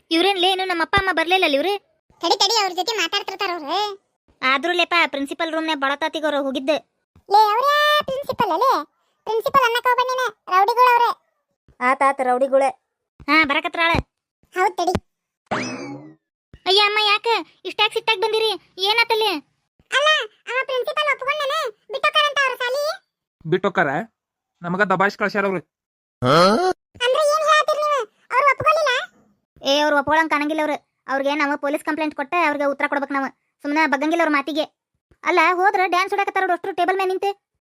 ಇವ್ರೇನ್ಲೇನು ನಮ್ಮ ಅಪ್ಪ ಅಮ್ಮ ಬರ್ಲಿಲ್ಲ ಇವ್ರು. ತಡಿ ತಡಿ ಅವ್ರ ಜೊತೆ ಮಾತಾಡ್ತಿರ್ತಾರ ಅವ್ರು. ಆದ್ರೂ ಲೇಪ ಪ್ರಿನ್ಸಿಪಲ್ ರೂಮ್ನೇ ಬಳತಾತಿಗೋರು ಹೋಗಿದ್ದೆ. ಲೇ ಅವ್ರೇ ಪ್ರಿನ್ಸಿಪಲ್ ಅಲ್ಲೇ ಪ್ರಿನ್ಸಿಪಲ್ ಅನ್ನಕ ಹೋಗ್ಬಣ್ಣಿನ ರೌಡಿಗಳು ಅವ್ರೆ. ಆತ ರೌಡಿಗುಳೆ. ಹಾ ಬರಕತ್ರಾಳ. ಹೌದ್ ತಡಿ. ಅಯ್ಯ ಅಮ್ಮ ಯಾಕ ಇಷ್ಟಾಗಿ ಸಿಟ್ಟಾಗಿ ಬಂದಿರಿ? ಏನಾತಲ್ಲಿ? ಅಲ್ಲ ಅವ ಪ್ರಿನ್ಸಿಪಲ್ ಒಪ್ಕೊಂಡನ ಬಿಟ್ಟೋಕರಂತ ಅವ್ರ ಸಾಲಿ. ಬಿಟ್ಟೋಕಾರ ನಮಗ ದಬಾಯಿಸ್ ಕಳ್ಸ್ಯಾರ ಅವ್ರು. ಅಂದ್ರೆ ಏನ್ ಹೇಳ್ತೀರಿ ನೀವು? ಅವ್ರು ಒಪ್ಕೊಳ್ಳಿಲ್ಲ? ಅವ್ರು ಒಪ್ಕೊಳಂಗ್ ಕಾಣಂಗಿಲ್ಲ ಅವ್ರಿಗೆ ನಾವು ಪೊಲೀಸ್ ಕಂಪ್ಲೇಂಟ್ ಕೊಟ್ಟೆ ಅವ್ರಿಗೆ ಉತ್ತರ ಕೊಡ್ಬೇಕು. ನಾವು ಸುಮ್ಮನೆ ಬಗ್ಗಂಗಿಲ್ಲ ಅವ್ರ ಮಾತಿಗೆ. ಅಲ್ಲ ಹೋದ್ರ ಡ್ಯಾನ್ಸ್ ಹೊಡಕತ್ತಾರ ಅಷ್ಟು ಟೇಬಲ್ ಮೇಲೆ ನಿಂತೆ.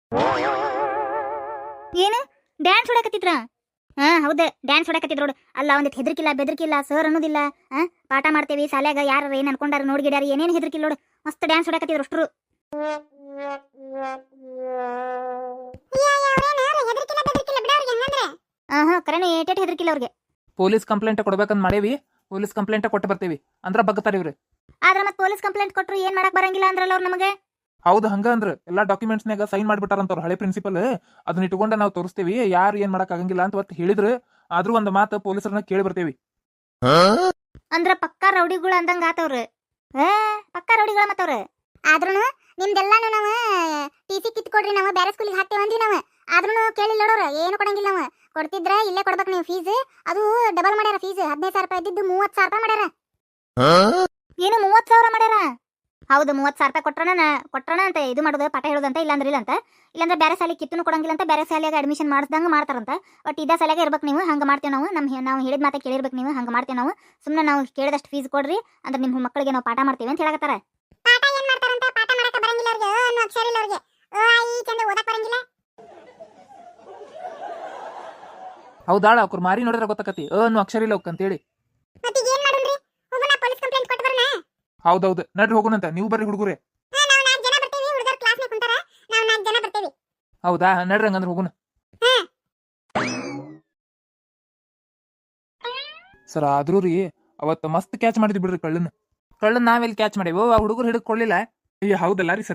ಏನು ಡ್ಯಾನ್ಸ್ ಹೊಡಕತ್ತಿದ್ರ? ಹಾ ಹೌದು ಡ್ಯಾನ್ಸ್ ಹೊಡಕತ್ತಿದ್ರು ನೋಡು. ಅಲ್ಲ ಒಂದಿಟ್ಟು ಹೆದರ್ಕಿಲ್ಲ ಬೆದರ್ಕಿಲ್ಲ ಸರ್ ಅನ್ನೋದಿಲ್ಲ. ಪಾಠ ಮಾಡ್ತೇವಿ ಶಾಲ್ಯಾಗ ಯಾರು ಏನ್ ಅನ್ಕೊಂಡಾರ ನೋಡ್ಗಿಡ್ಯಾರ ಏನೇನು ಹೆದರ್ಕಿಲ್ಲ ನೋಡು. ಮಸ್ತ್ ಡ್ಯಾನ್ಸ್ ಹೊಡಕತ್ತಿದ್ರು ಅಷ್ಟ್ರು. ಕರೆನೆ ಏಟೇಟ್ ಹೆದರ್ಕಿಲ್ಲ ಅವ್ರಿಗೆ. ಪೊಲೀಸ್ ಕಂಪ್ಲೇಂಟ್ ಕೊಡ್ಬೇಕಂತ ಮಾಡೇವಿ. ಪೊಲೀಸ್ ಕಂಪ್ಲೇಂಟ್ ಕೊಟ್ಟು ಬರ್ತೇವಿ ಅಂದ್ರ ಬಗ್ತಾರ ಇವ್ರು. ಆದ್ರ ಮತ್ತೆ ಪೊಲೀಸ್ ಕಂಪ್ಲೇಂಟ್ ಕೊಟ್ರು ಏನ್ ಮಾಡಕ್ ಬರಂಗಿಲ್ಲ ಅಂದ್ರಲ್ಲ ಅವ್ರು ನಮಗೆ. ಹೌದು ಹಂಗ ಅಂದ್ರ ಎಲ್ಲಾ ಡಾಕ್ಯುಮೆಂಟ್ಸ್ನಾಗ ಸೈನ್ ಮಾಡ್ಬಿಟ್ಟಾರಂತ ಹಳೆ ಪ್ರಿನ್ಸಿಪಲ್. ಅದನ್ನ ಇಟ್ಕೊಂಡ ನಾವು ತೋರಿಸ್ತೇವಿ ಯಾರು ಏನ್ ಮಾಡಕ್ ಆಗಂಗಿಲ್ಲ ಅಂತ ಒಟ್ಟು ಹೇಳಿದ್ರು. ಆದ್ರೂ ಒಂದ್ ಮಾತು ಪೊಲೀಸರನ್ನ ಕೇಳಿ ಬರ್ತೇವಿ. ಅಂದ್ರ ಪಕ್ಕಾ ರೌಡಿಗಳು ಅಂದಂಗ ಆತವ್ರು. ಪಕ್ಕಾ ರೌಡಿಗಳ ಮತ್ತವ್ರು. ಆದ್ರೂ ನಿಮ್ದೆಲ್ಲಾನು ನಾವು ಟಿಸಿ ಕಿತ್ಕೊಡ್ರಿ ನಾವು ಬೇರೆ ಸ್ಕೂಲಿಗೆ ಹಾಕ್ತೇವೆ ಅಂದ್ವಿ ನಾವು. ಆದ್ರೂ ಕೇಳಿಲ್ಲ ನೋಡೋರು ಏನು ಕೊಡಂಗಿಲ್ಲ ನಾವು. ಕೊಡ್ತಿದ್ರ ಇಲ್ಲೇ ಕೊಡ್ಬೇಕು ನೀವು ಫೀಸ್. ಅದು ಡಬಲ್ ಮಾಡ್ಯಾರ ಫೀಸ್. 15,000 ರೂಪಾಯಿ ಇದ್ದಿದ್ದು 30,000 ರೂಪಾಯಿ ಮಾಡ್ಯಾರ. ಏನು 30,000 ಮಾಡ್ಯಾರ? ಹೌದು 30,000 ರೂಪಾಯಿ ಕೊಟ್ರಣ ಅಂತ ಇದು ಮಾಡೋದು ಪಾಠ ಹೇಳೋದಂತ. ಇಲ್ಲಾಂದ್ರೆ ಇಲ್ಲಾಂದ್ರೆ ಬೇರೆ ಶಾಲೆ ಕಿತ್ತೂ ಕೊಡಂಗಿಲ್ಲ ಅಂತ. ಬೇರೆ ಶಾಲೆಗೆ ಅಡ್ಮಿಷನ್ ಮಾಡಿಸ್ದಂಗ ಮಾಡ್ತಾರಂತ. ಬಟ್ ಇದೇ ಶಾಲೆಗೆ ಇರ್ಬೇಕು ನೀವು. ಹಂಗೆ ಮಾಡ್ತೇವೆ ನಾವು. ನಾವು ಹೇಳಿದ ಮಾತಾ ಕೇಳಿರ್ಬೇಕು ನೀವು. ಹಂಗೆ ಮಾಡ್ತೇವೆ ನಾವು. ಸುಮ್ಮನೆ ನಾವು ಕೇಳಿದಷ್ಟು ಫೀಸ್ ಕೊಡ್ರಿ ಅಂದ್ರೆ ನಿಮ್ಮ ಮಕ್ಕಳಿಗೆ ನಾವು ಪಾಠ ಮಾಡ್ತೀವಿ ಅಂತ ಹೇಳಕತ್ತಾರ. ಪಾಠ ಏನ್ ಮಾಡ್ತಾರಂತ? ಪಾಠ ಮಾಡಕ ಬರಂಗಿಲ್ಲ ಅವ್ರಿಗೆ. ಅನ್ನೋ ಅಕ್ಷರ ಇಲ್ಲ ಅವ್ರಿಗೆ. ಈ ಚಂದ ಓದಕ್ ಬರಂಗಿಲ್ಲ. ಹೌದಾಳ ಅವ್ರ ಮಾರಿ ನೋಡಿದ್ರೆ ಗೊತ್ತಾಕತಿ ಅನ್ನೋ ಅಕ್ಷರ ಇಲ್ಲ ಅಂತ ಹೇಳಿ. ಮತ್ತೆ ಈಗ ಏನ್ ಮಾಡೋಣ್ರಿ? ಹೋಗೋಣ ಪೊಲೀಸ್ ಕಂಪ್ಲೇಂಟ್ ಕೊಟ್ಟು ಬರೋಣ. ಹೌದೌದು ನಡ್ರಿ ಹೋಗೋಣಂತ. ನೀವು ಬರ್ರಿ ಹುಡುಗರೇ. ನಾವು 4 ಜನ ಬರ್ತೀವಿ. ಹುಡುಗರು ಕ್ಲಾಸ್ನಾಗ ಕುಂತಾರ. ನಾವು 4 ಜನ ಬರ್ತೀವಿ. ಹೌದಾ ನಡ್ರಿ ಹಂಗಂದ್ರೆ ಹೋಗೋಣ. ಸರ್ ಆದ್ರೂ ರೀ ಅವತ್ತು ಮಸ್ತ್ ಕ್ಯಾಚ್ ಮಾಡಿದ್ವಿ ಬಿಡ್ರಿ ಕಳ್ಳನ್ ನಾವೆಲ್ಲಿ ಕ್ಯಾಚ್ ಮಾಡೇವು. ಆ ಹುಡುಗರು ಹಿಡಿದುಕೊಳ್ಳಿಲ್ಲ. ಅಯ್ಯ ಹೌದಲ್ಲ ರೀ ಸರ್.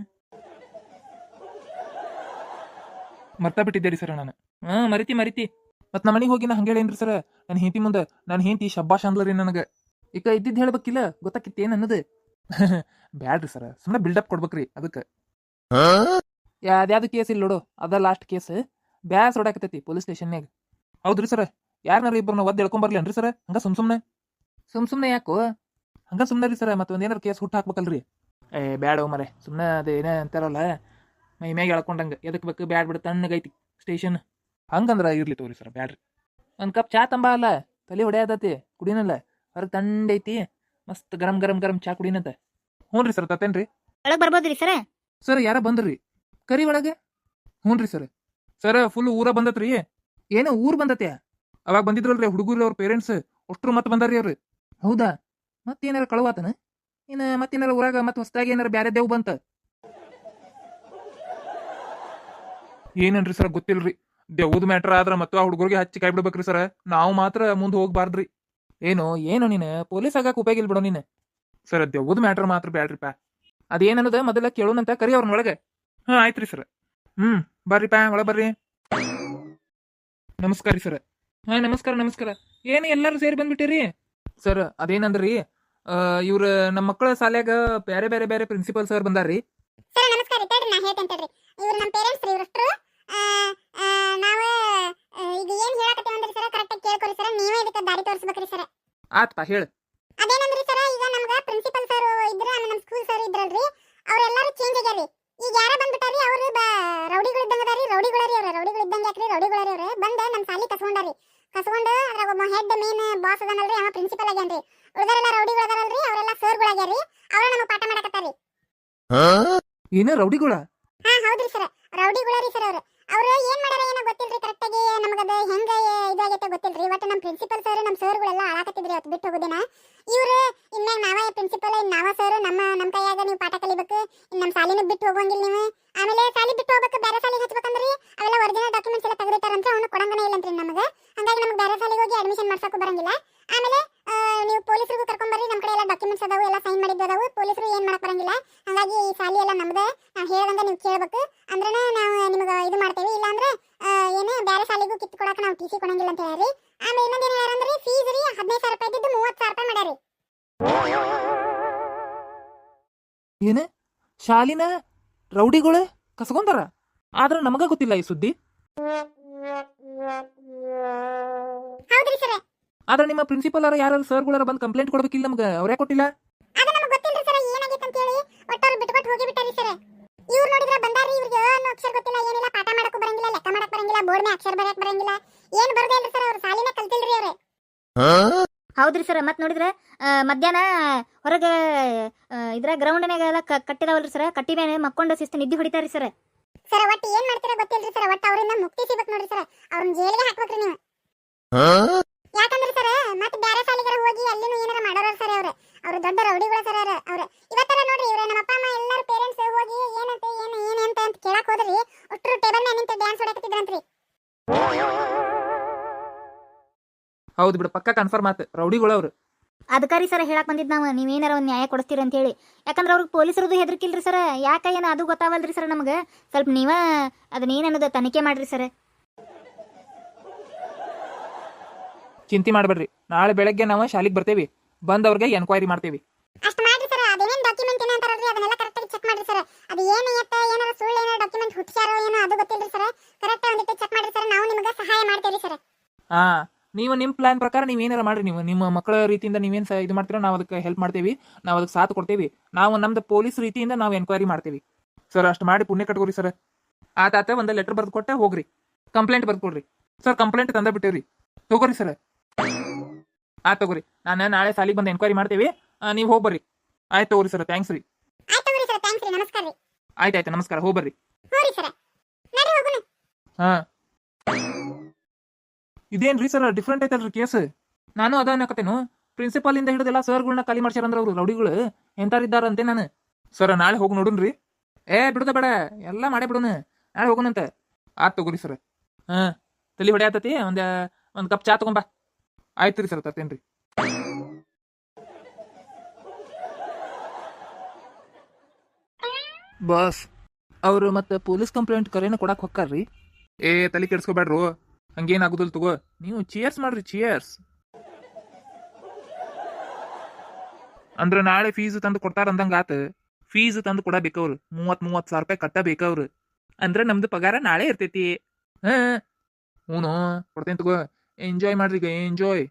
ಮರ್ತಾ ಬಿಟ್ಟಿದ್ದೆ ರೀ ಸರ್ ನಾನು. ಮರಿತಿ ಮತ್ ನಮ್ಮ ಮನೆಗೆ ಹೋಗಿ ನಾ ಹಂಗೆ ಹೇಳೇನ್ರಿ ಸರ್. ನನ್ನ ಹೆಂಡತಿ ಮುಂದೆ ನನ್ನ ಹೆಂಡತಿ ಶಬ್ಬಾಷ್ ಅಂದ್ಲರಿ ನನಗೆ. ಈಗ ಇದ್ದಿದ್ದು ಹೇಳ್ಬೇಕಿಲ್ಲ ಗೊತ್ತಾಕಿತ್ತು ಏನ್ ಅನ್ನೋದು. ಬ್ಯಾಡ್ರಿ ಸರ್ ಸುಮ್ಮನೆ ಬಿಲ್ಡಪ್ ಕೊಡ್ಬೇಕ್ರಿ ಅದಕ್ಕೆ. ಯಾವ್ದು ಕೇಸ್ ಇಲ್ಲ ನೋಡು ಅದ ಲಾಸ್ಟ್ ಕೇಸ್. ಬ್ಯಾಸ್ ಹೊಡಾಕತೈತಿ ಪೊಲೀಸ್ ಸ್ಟೇಷನ್ಯಾಗ. ಹೌದ್ರಿ ಸರ್ ಯಾರನ್ನಾರ ಇಬ್ಬರನ್ನ ಒದ್ದು ಎಳ್ಕೊಂಬರ್ಲೇನ್ರಿ ಸರ್? ಹಂಗ ಸುಮ್ನೆ ಯಾಕೋ ಹಂಗ ಸುಮ್ಮನೆ ರೀ ಸರ್. ಮತ್ತೆ ಒಂದೇನಾರು ಕೇಸ್ ಹುಟ್ಟು ಹಾಕ್ಬೇಕಲ್ರಿ. ಬ್ಯಾಡ ಮರೆ ಸುಮ್ಮನೆ ಅದೇ ಏನೇ ಅಂತಾರಲ್ಲ ಮೈ ಮ್ಯಾಗ ಎಳ್ಕೊಂಡಂಗೆ ಎದಕ್ ಬೇಕು. ಬ್ಯಾಡ್ ಬಿಡ ತಣ್ಣಗೈತಿ ಸ್ಟೇಷನ್. ಹಂಗಂದ್ರ ಇರ್ಲಿ ತೋರಿ ಸರ್ ಬ್ಯಾಡ್ರಿ. ಒಂದು ಕಪ್ ಚಾ ತಂಬ ಅಲ್ಲ ತಲೆ ಹೊಡೆಯದತಿ ಕುಡಿನಲ್ಲ. ಹೊರಗೆ ತಂಡೈತಿ ಮಸ್ತ್ ಗರಂ ಚಾ ಕುಡಿನಂತ. ಹ್ಞೂ ರೀ ಸರ್ ತತ್ತೇನ್ರಿ. ಒಳಗೆ ಬರ್ಬೋದ್ರಿ ಸರ್? ಸರ್ ಯಾರ ಬಂದ್ರಿ ಕರಿ ಒಳಗೆ? ಹ್ಞೂ ರೀ ಸರ್ ಫುಲ್ ಊರ ಬಂದತ್ರಿ. ಏನೋ ಊರ್ ಬಂದತ್ಯಾ? ಅವಾಗ ಬಂದಿದ್ರಲ್ರಿ ಹುಡುಗರು ಅವ್ರ ಪೇರೆಂಟ್ಸ್ ಅಷ್ಟ್ರು ಮತ್ತೆ ಬಂದಾರ್ರಿ ಅವ್ರು. ಹೌದಾ ಮತ್ತೇನಾರ ಕಳುವಾತನ? ಇನ್ನು ಮತ್ತೇನಾರ ಊರಾಗ ಮತ್ತೆ ಹೊಸದಾಗಿ ಏನಾರ ಬ್ಯಾರೆ ದೇವ್ ಬಂತ? ಏನೇನ್ರಿ ಸರ್ ಗೊತ್ತಿಲ್ರಿ. ದೇವ್ದ ಮ್ಯಾಟ್ರ್ ಆದ್ರ ಮತ್ತು ಆ ಹುಡುಗರಿಗೆ ಹಚ್ಚಿ ಕೈ ಬಿಡ್ಬೇಕ್ರಿ ಸರ್. ನಾವು ಮಾತ್ರ ಮುಂದೆ ಹೋಗ್ಬಾರ್ದ್ರಿ. ಏನು ನೀನು ಪೊಲೀಸ್ ಆಗಕ್ಕೆ ಉಪಯೋಗ ಇಲ್ಲ ಬಿಡೋ ನೀನು. ಸರ್ ದೇವ್ದ ಮ್ಯಾಟ್ರ್ ಮಾತ್ರ ಬ್ಯಾಡ್ರಿಪ್ಪ. ಅದೇನದ ಮೊದಲ ಕೇಳೋಣಂತ ಕರಿ ಅವ್ರನ್ನ ಒಳಗೆ. ಆಯ್ತ್ರಿ ಸರ್. ಬರ್ರಿಪ್ಪ ಒಳಗೆ ಬರ್ರಿ. ನಮಸ್ಕಾರ ರೀ ಸರ್. ನಮಸ್ಕಾರ. ಏನು ಎಲ್ಲರೂ ಸೇರಿ ಬಂದ್ಬಿಟ್ಟಿರಿ ಸರ್? ಅದೇನಂದ್ರಿ ಇವ್ರ ನಮ್ಮ ಮಕ್ಕಳ ಶಾಲ್ಯಾಗ ಬೇರೆ ಪ್ರಿನ್ಸಿಪಲ್ ಸರ್ ಬಂದಾರ್ರಿ. ಸರ್ ನಮಸ್ಕಾರ. ತಡ್ರಿ ನಾ ಹೇಳ್ತೇನೆ ತಡ್ರಿ. ಇವ್ರು ನಮ್ಮ ಪೇರೆಂಟ್ಸ್ ರೀ. ಇವ್ರಷ್ಟು ನಾವು ಈಗ ಏನ್ ಹೇಳಕತ್ತೀವಿ ಅಂದ್ರೆ ಸರ್ ಕರೆಕ್ಟಾಗಿ ಕೇಳ್ಕೊರಿ ಸರ್. ನೀವೇ ಇದಕ್ಕೆ ದಾರಿ ತೋರಿಸ್ಬೇಕ್ರಿ ಸರ್. ಆತ್ಪಾ ಹೇಳು. ಅದೇನಂದ್ರಿ ಸರ್ ಈಗ ನಮ್ಗ ಪ್ರಿನ್ಸಿಪಲ್ ಸರ್ ಇದ್ರ ನಮ್ಮ ಸ್ಕೂಲ್ ಸರ್ ಇದ್ರಲ್ರಿ ಅವ್ರೆಲ್ಲರೂ ಚೇಂಜ್ ಆಗ್ಯಾರಿ. ಈಗ ಯಾರ ಬಂದ್ಬಿಟ್ಟಾರಿ ಅವರು ರೌಡಿಗಳು ಇದ್ದಂಗ ಅದಾರಿ. ರೌಡಿಗಳರಿ ಅವ್ರೆ. ರೌಡಿಗಳು ಇದ್ದಂಗ ಯಾಕ್ರಿ ರೌಡಿಗಳರಿ ಅವ್ರೆ. ಬಂದ ನಮ್ಮ ಸಾಲಿ ಕಸ್ಕೊಂಡಾರಿ. ಕಸ್ಕೊಂಡು ಅದ್ರಾಗ ಒಬ್ಬ ಹೆಡ್ ಮೇನ್ ಬಾಸ್ ಅದನಲ್ರಿ ಅವ ಪ್ರಿನ್ಸಿಪಲ್ ಆಗ್ಯಾನ್ರಿ. ಉಳಿದರೆಲ್ಲ ರೌಡಿಗಳು ಅದಾರಲ್ರಿ ಅವರೆಲ್ಲ ಸರ್ಗಳು ಆಗ್ಯಾರಿ. ಅವ್ರ ನಮಗೆ ಪಾಠ ಮಾಡಕತ್ತಾರಿ. ಏನ ರೌಡಿಗಳ? ಹೌದ್ರಿ ಸರ್ ರೌಡಿಗಳರಿ ಸರ್ ಅವ್ರು ಏನ್ ಮಾಡ್ಯಾರ ಏನೋ ಗೊತ್ತಿಲ್ರಿ ಕರೆಕ್ಟಾಗಿ. ನಮಗದ ಹೆಂಗ ಇದಾಗೈತೆ ಗೊತ್ತಿಲ್ರಿ. ಒಟ್ಟು ನಮ್ಮ ಪ್ರಿನ್ಸಿಪಲ್ ಸರ್ ನಮ್ಮ ಸರ್ಗಳೆಲ್ಲ ಆಳಾಕತ್ತಿದ್ರಿ ಅವತ್ತು ಬಿಟ್ಟು ಹೋಗೋದಿನ. ಇವ್ರು ಇನ್ಮ್ಯಾಗ ನಾವೇ ಪ್ರಿನ್ಸಿಪಲ್ ನಾವ ಸರ್ ನಮ್ಮ ಕೈಯಾಗ ನೀವು ಪಾಠ ಕಲಿಬೇಕು. ಇನ್ನು ನಮ್ಮ ಸಾಲಿನ ಬಿಟ್ಟು ಹೋಗಂಗಿಲ್ಲ ನೀವು. ಆಮೇಲೆ ಸಾಲಿ ಬಿಟ್ಟು ಹೋಗ್ಬೇಕು ಬೇರೆ ಸಾಲಿಗೆ ಹಚ್ಬೇಕಂದ್ರಿ ಅವೆಲ್ಲ ಒರಿಜಿನಲ್ ಡಾಕ್ಯುಮೆಂಟ್ಸ್ ಎಲ್ಲ ತೆಗೆದಿಟ್ಟಾರಂತ ಅವ್ನು ಕೊಡಂಗನೇ ಇಲ್ಲಂತ್ರಿ ನಮಗೆ. ಹಂಗಾಗಿ ನಮ್ಗೆ ಬೇರೆ ಸಾಲಿಗೆ ಹೋಗಿ ಅಡ್ಮಿಷನ್ ಮಾಡ್ಸಕ್ಕೂ ಬರಂಗಿಲ್ಲ. ಆಮೇಲೆ ನೀವು ಪೊಲೀಸರಿಗೂ ಕರ್ಕೊಂಬರ್ರಿ. ನಮ್ಮ ಕಡೆ ಎಲ್ಲ ಡಾಕ್ಯುಮೆಂಟ್ಸ್ ಅದಾವು ಎಲ್ಲ ಸೈನ್ ಮಾಡಿದ್ದು ಅದಾವು. ಪೊಲೀಸರು ಏನ್ ಮಾಡಕ್ ಬರಂಗಿಲ್ಲ. ಹಂಗಾಗಿ ಈ ಸಾಲಿ ಎಲ್ಲ ನಮ್ದೆ. ನಾವು ಹೇಳ್ದಂಗ ನೀವು ಕೇಳ್ಬೇಕು ಅಂದ್ರೆ ನಾವು ನಿಮಗೆ ಇದು ಮಾಡ್ತೇವೆ. ಇಲ್ಲ ಅಂದ್ರೆ ಏನು ಬೇರೆ ಶಾಲೆಗೂ ಕಿತ್ತು ಕೊಡಕ್ಕೆ ನಾವು ಟಿ ಸಿ ಕೊಡಂಗಿಲ್ಲ ಅಂತ ಹೇಳ್ರಿ. ಆಮೇಲೆ ಇನ್ನೊಂದು ಏನು ಹೇಳ್ಯಾರಂದ್ರೆ ಫೀಸ್ ರೀ 15,000 ರೂಪಾಯಿ ಇದ್ದು 30,000 ರೂಪಾಯಿ ಮಾಡ್ಯಾರಿ. ಏನ ಶಾಲಿನ ರೌಡಿಗಳು ಕಸ್ಕೊಂತಾರ? ಆದ್ರ ನಮಗ ಗೊತ್ತಿಲ್ಲ ಈ ಸುದ್ದಿ. ಹೌದ್ರಿ ಸರ್. ಆದ್ರೆ ನಿಮ್ಮ ಪ್ರಿನ್ಸಿಪಲ್ ಅವರ ಯಾರು ಸರ್ಗಳಾರ ಬಂದು ಕಂಪ್ಲೇಂಟ್ ಕೊಡ್ಬೇಕಿಲ್ಲ ನಮ್ಗೆ, ಅವ್ರೇ ಕೊಟ್ಟಿಲ್ಲ. ಅದು ನಮಗೆ ಗೊತ್ತಿಲ್ರಿ ಸರ್ ಏನಾಗಿತ್ತು ಅಂತ ಹೇಳಿ. ಒಟ್ಟು ಅವ್ರು ಬಿಟ್ಬಿಟ್ಟು ಹೋಗಿ ಬಿಟ್ಟಾರಿ ಸರ್. ಇವ್ರು ನೋಡಿದ್ರೆ ಬಂದಾರಿ, ಇವ್ರಿಗೆ ಅನ್ನೋ ಅಕ್ಷರ ಗೊತ್ತಿಲ್ಲ, ಏನಿಲ್ಲ, ಪಾಠ ಮಾಡಕ್ಕೂ ಬರಂಗಿಲ್ಲ, ಲೆಕ್ಕ ಮಾಡಕ್ ಬರಂಗಿಲ್ಲ, ಬೋರ್ಡ್ ಮೇಲೆ ಅಕ್ಷರ ಬರೆಯಕ್ ಬರಂಗಿಲ್ಲ, ಏನ್ ಬರದೇ ಇಲ್ರಿ ಸರ್. ಅವ್ರು ಸಾಲಿನ ಕಲ್ತಿಲ್ರಿ ಅವ್ರೆ. ಹೌದ್ರಿ ಸರ್. ಮತ್ತೆ ನೋಡಿದ್ರೆ ಮಧ್ಯಾಹ್ನ ಹೊರಗೆ ಇದ್ರ ಗ್ರೌಂಡ್ನಾಗೆಲ್ಲ ಕಟ್ಟಿದಾವಲ್ರಿ ಸರ್, ಕಟ್ಟಿ ಮೇಲೆ ಮಕ್ಕೊಂಡು ಶಿಸ್ತು ನಿದ್ದೆ ಹೊಡಿತಾರಿ ಸರ್. ಸರ್ ಒಟ್ಟು ಏನ್ ಮಾಡ್ತೀರಾ ಗೊತ್ತಿಲ್ರಿ ಸರ್. ಒಟ್ಟು ಅವರಿಂದ ಮುಕ್ತಿ ಸಿಗ್ಬೇಕು ನೋಡ್ರಿ ಸರ್. ಅವ್ರನ್ನ ಜೈಲಿಗೆ ಹಾಕ್ಬೇಕ್ರಿ ನೀವು. ಯಾಕಂದ್ರೆ ಸರ್ ಮತ್ತೆ ಬೇರೆ ಶಾಲೆಗಾರ ಹೋಗಿ ಅಲ್ಲಿನೂ ಏನಾರ ಮಾಡೋರು ಸರ್. ಅವ್ರು ದೊಡ್ಡ ರೌಡಿಗಳು ಸರ್. ಅವ್ರು ಇವತ್ತರ ನೋಡ್ರಿ, ಇವ್ರೆ ನಮ್ಮ ಅಪ್ಪ ಅಮ್ಮ ಎಲ್ಲಾರು ಪೇರೆಂಟ್ಸ್ ಹೋಗಿ ಏನಂತೆ ಏನಂತ ಅಂತ ಕೇಳಕ್ ಹೋದ್ರಿ, ಒಟ್ಟರು ಟೇಬಲ್ ಮೇಲೆ ನಿಂತು ಡ್ಯಾನ್ಸ್ ಹೊಡಕತ್ತಿದ್ರಂತ್ರಿ. ಹೌದು ಬಿಡು, ಪಕ್ಕ ಕನ್ಫರ್ಮ್ ಆತ, ರೌಡಿಗಳು ಅವ್ರು. ಅದಕ್ಕಾರಿ ಸರ್ ಹೇಳಕ್ ಬಂದಿದ್ದು ನಾವು, ನೀವೇನಾರ ಒಂದು ನ್ಯಾಯ ಕೊಡಿಸ್ತೀರಿ ಅಂತ ಹೇಳಿ. ಯಾಕಂದ್ರೆ ಅವ್ರಿಗೆ ಪೊಲೀಸರದು ಹೆದರ್ಕಿಲ್ರಿ ಸರ್. ಯಾಕೆ ಏನು ಅದು ಗೊತ್ತಾವಲ್ರಿ ಸರ್ ನಮಗೆ. ಸ್ವಲ್ಪ ನೀವ ಅದನ್ನೇನನ್ನೋದು ತನಿಖೆ ಮಾಡ್ರಿ ಸರ್. ಚಿಂತೆ ಮಾಡಬೇಡ್ರಿ, ನಾಳೆ ಬೆಳಗ್ಗೆ ನಾವು ಶಾಲೆಗೆ ಬರ್ತೇವಿ, ಬಂದವ್ರಿಗೆ ಎನ್ಕ್ವೈರಿ ಮಾಡ್ತೇವಿ. ಅಷ್ಟು ಮಾಡ್ರಿ ಸರ್. ಅದೇನೇನು ಡಾಕ್ಯುಮೆಂಟ್ ಏನ ಅಂತಾರಲ್ರಿ ಅದನ್ನೆಲ್ಲ ಕರೆಕ್ಟಾಗಿ ಚೆಕ್ ಮಾಡ್ರಿ ಸರ್. ಅದು ಏನು ಏನಾರ ಸುಳ್ಳು ಏನಾರ ಡಾಕ್ಯುಮೆಂಟ್ ಹುಟ್ಟಿಸ್ಯಾರೋ ಏನೋ ಅದು ಗೊತ್ತಿಲ್ರಿ ಸರ್. ಕರೆಕ್ಟ್ ಒಂದಿಟ್ಟು ಚೆಕ್ ಮಾಡ್ರಿ ಸರ್. ನಾವು ನಿಮಗೆ ಸಹಾಯ ಮಾಡ್ತೇವೆ ಸರ್. ಹಾ, ನೀವು ನಿಮ್ಮ ಪ್ಲಾನ್ ಪ್ರಕಾರ ನೀವು ಏನಾರ ಮಾಡ್ರಿ. ನೀವು ನಿಮ್ಮ ಮಕ್ಕಳ ರೀತಿಯಿಂದ ನೀವೇನು ಇದು ಮಾಡ್ತೀರೋ ನಾವು ಅದಕ್ಕೆ ಹೆಲ್ಪ್ ಮಾಡ್ತೇವಿ, ನಾವು ಅದಕ್ಕೆ ಸಾಥ್ ಕೊಡ್ತೇವಿ. ನಾವು ನಮ್ದು ಪೊಲೀಸ್ ರೀತಿಯಿಂದ ನಾವು ಎನ್ಕ್ವೈರಿ ಮಾಡ್ತೇವಿ ಸರ್. ಅಷ್ಟು ಮಾಡಿ ಪುಣ್ಯ ಕಟ್ಕೋರಿ ಸರ್. ಆತಾತ ಒಂದು ಲೆಟರ್ ಬರ್ದು ಕೊಟ್ಟೆ ಹೋಗ್ರಿ, ಕಂಪ್ಲೇಂಟ್ ಬರ್ದು ಕೊಡ್ರಿ ಸರ್. ಕಂಪ್ಲೇಂಟ್ ತಂದ ಬಿಟ್ಟೇವ್ರಿ, ತಗೋರಿ ಸರ್. ತಗೋರಿ, ನಾನು ನಾಳೆ ಸಾಲಿಗೆ ಬಂದು ಎನ್ಕ್ವೈರಿ ಮಾಡ್ತೇವಿ, ನೀವು ಹೋಗ್ಬರ್ರಿ. ಆಯ್ತು ತಗೋರಿ ಸರ್, ಥ್ಯಾಂಕ್ಸ್ ರೀ. ಆಯ್ತು ತಗೋರಿ ಸರ್, ಥ್ಯಾಂಕ್ಸ್ ರೀ, ನಮಸ್ಕಾರ ರೀ. ಆಯ್ತಾಯ್ತು, ನಮಸ್ಕಾರ, ಹೋಗ್ಬರ್ರಿ. ಹೋರಿ ಸರ್, ನಡಿ ಹೋಗೋಣ. ಹಾ, ಇದೇನ್ರಿ ಸರ್ ಡಿಫ್ರೆಂಟ್ ಐತಲ್ರಿ ಕೇಸ್. ನಾನು ಅದ ಅನ್ನಕತ್ತೇನು, ಪ್ರಿನ್ಸಿಪಾಲ್ ಇಂದ ಹಿಡಿದೆಲ್ಲ ಸರ್ಗಳನ್ನ ಖಾಲಿ ಮಾಡ್ಸ್ಯಾರಂದ್ರ ಅವ್ರು ರೌಡಿಗಳು ಎಂತಾರಿದ್ದಾರಂತೆ ನಾನು. ಸರ್ ನಾಳೆ ಹೋಗಿ ನೋಡುನ್ರಿ. ಬಿಡುದ ಬೇಡ, ಎಲ್ಲ ಮಾಡೇ ಬಿಡೋಣ, ನಾಳೆ ಹೋಗೋಣಂತ. ತಗೋರಿ ಸರ್. ಹಾ, ತಲೆ ಹೊಡೆಯತತಿ, ಒಂದು ಕಪ್ ಚಾ ತಗೊಂಬಾ. ಆಯ್ತು ರೀ ಸರ್, ತರ್ತೇನ್ರಿ. ಬಾಸ್, ಅವರು ಮತ್ತೆ ಪೊಲೀಸ್ ಕಂಪ್ಲೇಂಟ್ ಕರೆನ ಕೊಡಕ್ ಹೊಕ್ಕಾರ್ರಿ. ತಲೆ ಕೆಡ್ಸ್ಕೊಬೇಡ್ರು, ಹಂಗೇನಾಗುದಿಲ್ಲ ತಗೋ. ನೀವು ಚಿಯರ್ಸ್ ಮಾಡ್ರಿ, ಚಿಯರ್ಸ್. ಅಂದ್ರೆ ನಾಳೆ ಫೀಸ್ ತಂದು ಕೊಡ್ತಾರ ಅಂದಂಗ ಆತ. ಫೀಸ್ ತಂದು ಕೊಡಬೇಕವ್ರು, 30,000 ರೂಪಾಯಿ ಕಟ್ಟಬೇಕವ್ರು. ಅಂದ್ರೆ ನಮ್ದು ಪಗಾರ ನಾಳೆ ಇರ್ತೈತಿ. ಹ್ಞೂ ಕೊಡ್ತೇನೆ ತಗೋ. ಎಂಜಾಯ್ ಮಾಡ್ರಿ, ಈಗ ಎಂಜಾಯ್.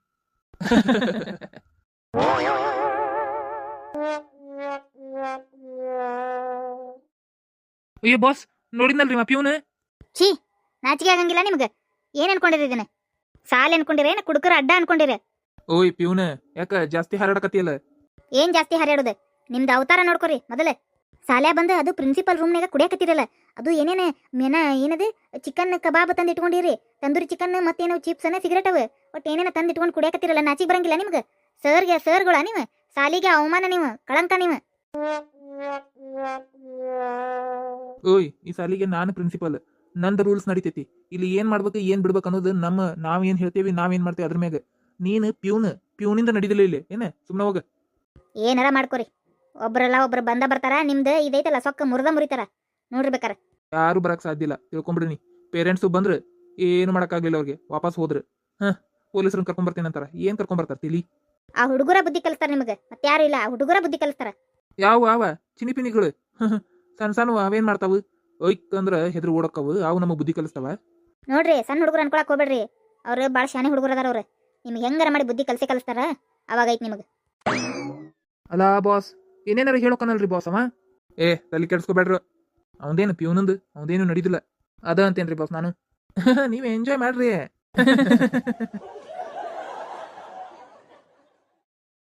ಅಯ್ಯೋ ಬಾಸ್, ನೋಡಿದ್ನಲ್ರಿ ಪ್ಯೂನ್. ಛೀ, ನಾಚಿಕೆ ಆಗಂಗಿಲ್ಲ ನಿಮ್ಗೆ. ಏನ್ ಅನ್ಕೊಂಡಿರಿ ಇದನ್ನ? ಸಾಲ ಅನ್ಕೊಂಡಿರ ಏನ ಕುಡುಕರ ಅಡ್ಡ ಅನ್ಕೊಂಡಿರ? ಓಯ್ ಪ್ಯೂನ್, ಯಾಕ ಜಾಸ್ತಿ ಹಾರಾಡಕತ್ತಿಯಲ್ಲ? ಏನ್ ಜಾಸ್ತಿ ಹರಿಯಾಡೋದು? ನಿಮ್ದು ಅವತಾರ ನೋಡ್ಕೊರಿ ಮೊದಲೇ. ಸಾಲ್ಯಾ ಬಂದು ಅದು ಪ್ರಿನ್ಸಿಪಲ್ ರೂಮ್ನಾಗ ಕುಡಿಯಾಕತ್ತಿರಲ್ಲ. ಅದು ಏನೇನು ಏನದು ಚಿಕನ್ ಕಬಾಬ್ ತಂದು ಇಟ್ಕೊಂಡಿರಿ, ತಂದೂರಿ ಚಿಕನ್ ಮತ್ತೇನೋ ಚಿಪ್ಸ್ ಸಿಗರೇಟ್ ಅವು ಒಟ್ಟು ಏನೇನ ತಂದು ಇಟ್ಕೊಂಡು ಕುಡಿಯಾಕತ್ತಿರಲ್ಲ. ನಾಚಿಗೆ ಬರಂಗಿಲ್ಲ ನಿಮ್ಗೆ? ಸರ್ಗಳ ನೀವು, ಸಾಲಿಗೆ ಅವಮಾನ, ನೀವು ಕಳಂಕ ನೀವು. ಓಯ್, ಈ ಸಾಲಿಗೆ ನಾನು ಪ್ರಿನ್ಸಿಪಲ್, ನಂದು ರೂಲ್ಸ್ ನಡಿತೈತಿ. ಇಲ್ಲಿ ಏನ್ ಮಾಡ್ಬೇಕು ಏನ್ ಬಿಡ್ಬೇಕು ಅನ್ನೋದು ನಾವೇನ್ ಹೇಳ್ತೇವಿ, ನಾವೇನ್ ಮಾಡ್ತೇವೆ ಅದ್ರ ಮ್ಯಾಗ. ನೀನು ಪ್ಯೂನಿಂದ ನಡಿದಿಲ್ಲ ಇಲ್ಲಿ, ಏನ ಸುಮ್ಮನೆ ಹೋಗ. ಏನಾರ ಮಾಡ್ಕೊರಿ, ಒಬ್ರಲ್ಲ ಒಬ್ರು ಬರ್ತಾರ. ನಿಮ್ದು ಇದೈತಲ್ಲ ಸೊಕ್ಕ ಮುರಿತಾರ ನೋಡ್ರಿ ಬೇಕಾರ. ಯಾರು ಬರಕ್ ಸಾಧ್ಯ ಇಲ್ಲ, ತಿಳ್ಕೊಂಬಿಡ್ರಿ. ಪೇರೆಂಟ್ಸು ಬಂದ್ರೆ ಏನು ಮಾಡಕ್ಕಾಗ್ಲಿಲ್ಲ, ಅವ್ರಿಗೆ ವಾಪಸ್ ಹೋದ್ರೆ ಪೊಲೀಸರನ್ನ ಕರ್ಕೊಂಬರ್ತೀನಿ ಅಂತಾರ. ಏನ್ ಕರ್ಕೊಂಬರ್ತಾರ ತಿಳಿ? ಆ ಹುಡುಗರ ಬುದ್ಧಿ ಕಲಿಸ್ತಾರ ನಿಮಗೆ, ಮತ್ತೆ ಯಾರು ಇಲ್ಲ. ಆ ಹುಡುಗರ ಬುದ್ಧಿ ಕಲಿಸ್ತಾರ. ಯಾವ ಚಿನಿಪಿನಿಗಳು ಸಣ್ಣ ಸಣ್ಣ ಅವೇನ್ ಮಾಡ್ತಾವು? ಒಯ್ಕ್ ಅಂದ್ರ ಹೆದ್ರು ಓಡಕ್ಕವು, ಅವು ನಮಗ್ ಬುದ್ಧಿ ಕಲಿಸ್ತಾವ. ನೋಡ್ರಿ, ಸಣ್ಣ ಹುಡುಗರು ಅನ್ಕೊಳಕ್ ಹೋಗ್ಬೇಡ್ರಿ. ಅವ್ರು ಭಾಳ ಶಾನೆ ಹುಡುಗರು ಅದಾರ. ಅವ್ರು ನಿಮ್ಗೆ ಹೆಂಗಾರ ಮಾಡಿ ಬುದ್ಧಿ ಕಲಿಸ್ತಾರ. ಅವಾಗ ಐತಿ ನಿಮಗೆ. ಅಲ್ಲ ಬಾಸ್, ಏನೇನಾರ ಹೇಳೋಕನಲ್ರಿ ಬಾಸ್ ಅವ. ತಲೆ ಕೆಡ್ಸ್ಕೊಬೇಡ್ರು. ಅವಂದೇನು ಪ್ಯೂನಂದು ಅವಂದೇನು ನಡೀದಿಲ್ಲ, ಅದ ಅಂತೇನ್ರಿ ಬಾಸ್ ನಾನು. ನೀವ್ ಎಂಜಾಯ್ ಮಾಡ್ರಿ.